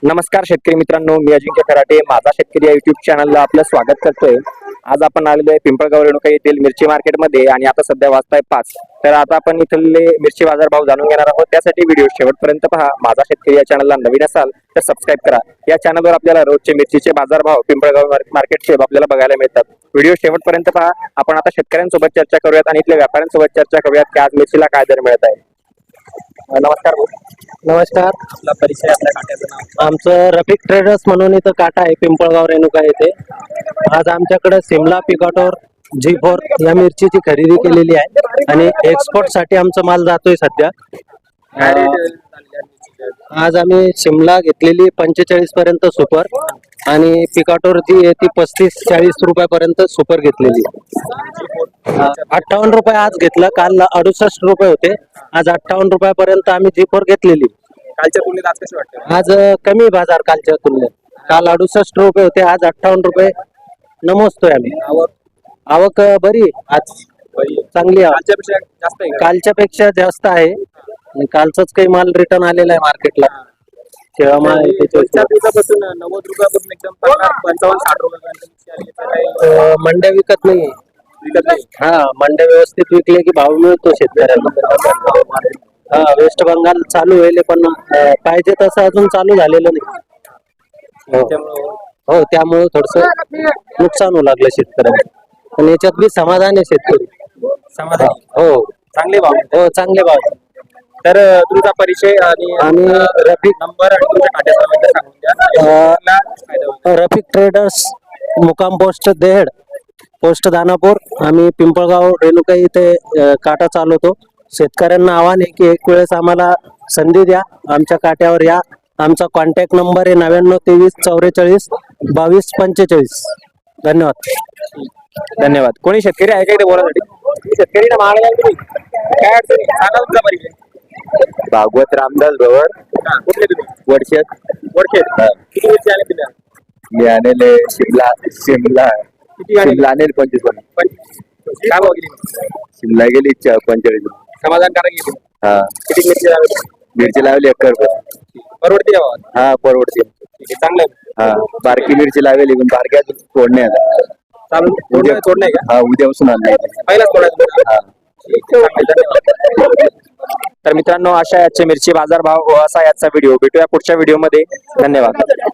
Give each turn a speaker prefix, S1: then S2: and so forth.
S1: नमस्कार शेतकरी मित्रांनो, मी अजिंक्य खराटे माझा शेतकरी या युट्यूब चॅनलला आपलं स्वागत करतोय। आज आपण आलेलो आहे पिंपळगाव रेणुका येथील मिरची मार्केटमध्ये आणि आता सध्या वाजताय 5। तर आता आपण इथले मिरची बाजार भाव जाणून घेणार आहोत। त्यासाठी व्हिडिओ शेवटपर्यंत पहा। माझा शेतकरी या चॅनलला नवीन असाल तर सबस्क्राइब करा। या चॅनलवर आपल्याला रोजचे मिरचीचे बाजार भाव पिंपळगाव मार्केटचे आपल्याला बघायला मिळतात। व्हिडिओ शेवटपर्यंत पहा। आपण आता शेतकऱ्यांसोबत चर्चा करूयात आणि इथल्या व्यापाऱ्यांसोबत चर्चा करूयात की आज मिरचीला काय दर मिळत आहे। नमस्कार भाऊ।
S2: नमस्कार।
S1: आपला परिचय, आपल्या काट्याचं नाव।
S2: आमचं रफिक ट्रेडर्स म्हणून इथं काटा आहे पिंपळगाव रेणुका येथे। आज आमच्याकडे सिमला पिकाटोर G4 या मिरचीची खरेदी केलेली आहे आणि एक्सपोर्ट साठी आमचा माल जातोय सध्या। आज आम्ही सिमला घेतलेली 45 पर्यंत सुपर आणि पिकाटोर जी आहे ती 35-40 रुपयापर्यंत सुपर घेतलेली। 58 रुपये आज घेतलं, काल 68 रुपये होते, आज 58 रुपयापर्यंत आम्ही G4 घेतलेली।
S1: कालच्या तुलनेत आज कसे वाटतं?
S2: आज कमी बाजार कालच्या तुलनेत, काल 68 रुपये होते, आज 58 रुपये नमोजतोय आम्ही। आवक बरी आज, चांगली आवक, कालच्या पेक्षा जास्त आहे आणि कालचाच काही माल रिटर्न आलेला आहे मार्केटला। तेव्हा
S1: 90 रुपयापासून एकदम 55-60 रुपयापर्यंत
S2: मंड्या विकत नाही। हा, मंड्या व्यवस्थित विकले की भाव मिळतो शेतकऱ्यांना। हा, वेस्ट बंगाल चालू होईल पण पाहिजे तसं अजून चालू झालेलं नाही। हो, त्यामुळे थोडस नुकसान होऊ लागलं शेतकऱ्यांना, पण याच्यात बी समाधान आहे शेतकरी
S1: समाधानी।
S2: हो,
S1: चांगले भाव।
S2: हो, चांगले भाव।
S1: तर तुमचा परिचय आणि
S2: रफिक
S1: नंबर आणि तुमच्या खात्याचा सांगून द्या।
S2: रफिक ट्रेडर्स, मुकाम पोस्ट देहेड, पोस्ट दानापूर। आम्ही पिंपळगाव रेणुका इथे काटा चालवतो। शेतकऱ्यांना आव्हान आहे की एक वेळेस आम्हाला संधी द्या, आमच्या काट्यावर या। आमचा कॉन्टॅक्ट नंबर आहे 99 23 44 22 45। धन्यवाद।
S1: धन्यवाद। कोणी शेतकरी आहे का इथे बोलासाठी? शेतकरी ना मागायला तुम्ही काय अडचणी सांगा तुमचा परिचय।
S3: भागवत रामदास भवर,
S1: कुठले तुम्ही?
S3: वडशेत।
S1: किती मिरची आले तुम्ही?
S3: मी आणले शिमला
S1: किती आले?
S3: शिमला आणेल 25।
S1: काय भाव गेली?
S3: शिमला गेली 45।
S1: समाधानकारक गेली।
S3: हा,
S1: किती मिरची लागली?
S3: मिरची लावली 1 रुपये।
S1: परवडते का भावात?
S3: हा, परवडते।
S1: ठीक आहे, चांगलं आहे।
S3: हा, बारकी मिरची लावली पण बारक्या तोडणे आता
S1: चालू तोडणं आहे का?
S3: हा, उद्यापासून आणले।
S1: पहिलाच तोडायचं?
S3: हा,
S1: ठीक आहे, धन्यवाद। तर मित्रांनो, अशा याचे मिरची बाजार भाव व असा याचा व्हिडिओ भेटूया पुढच्या व्हिडिओमध्ये। धन्यवाद।